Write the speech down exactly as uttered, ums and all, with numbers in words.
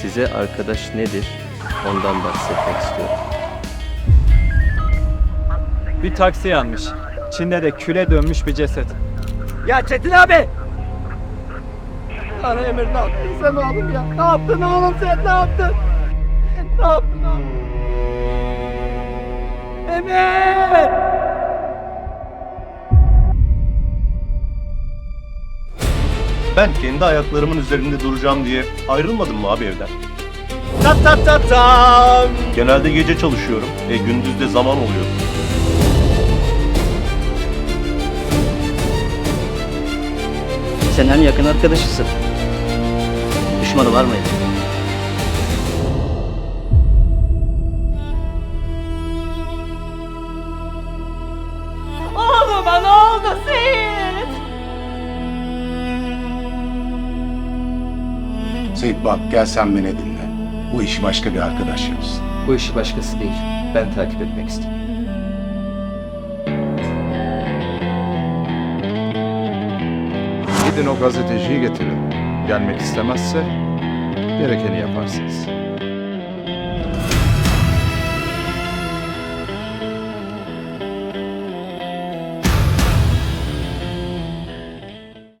Size arkadaş nedir? Ondan bahsetmek istiyorum. Bir taksi yanmış. İçinde de küle dönmüş bir ceset. Ya Çetin abi! Ana Emir ne yaptın sen oğlum ya? Ne yaptın oğlum sen ne yaptın? Ne yaptın oğlum? Emir! Ben kendi ayaklarımın üzerinde duracağım diye ayrılmadım mı abi evden? Ta ta ta tam! Genelde gece çalışıyorum ve gündüz de zaman oluyor. Sen en yakın arkadaşısın. Düşmanı var mıydı? Oğluma ne oldu Seyit? Seyit bak gel sen beni dinle. Bu işi başka bir arkadaş yapsın. Bu işi başkası değil. Ben takip etmek istedim. Gidin o gazeteciyi getirin. Gelmek istemezse gerekeni yaparsınız.